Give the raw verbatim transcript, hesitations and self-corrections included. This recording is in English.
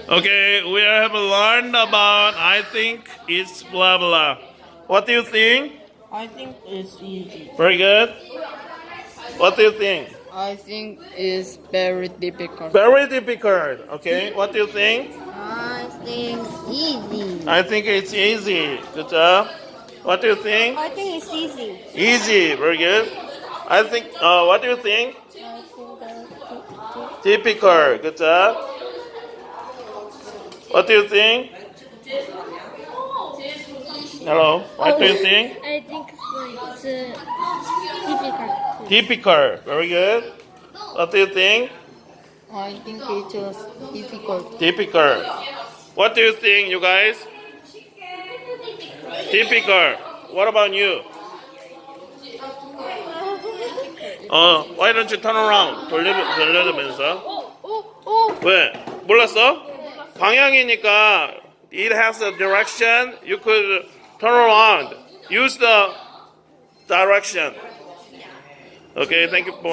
Okay, we have learned about. I think it's blah blah. What do you think? I think it's easy. Very good. What do you think? I think it's very difficult. Very difficult. Okay. What do you think? I think easy. I think it's easy. Good job. What do you think? I think it's easy. Easy. Very good. I think. Uh, what do you think? I think that Difficult. Good job. What do you think? Hello. What do you think? I think it's uh, difficult. Difficult. Very good. What do you think? I think it's just difficult. Difficult. What do you think, you guys? Difficult. What about you? 어, why don't you turn around? 돌려, 돌려면서. 왜? 몰랐어? 방향이니까 it has a direction. You could turn around. Use the direction. Okay, thank you.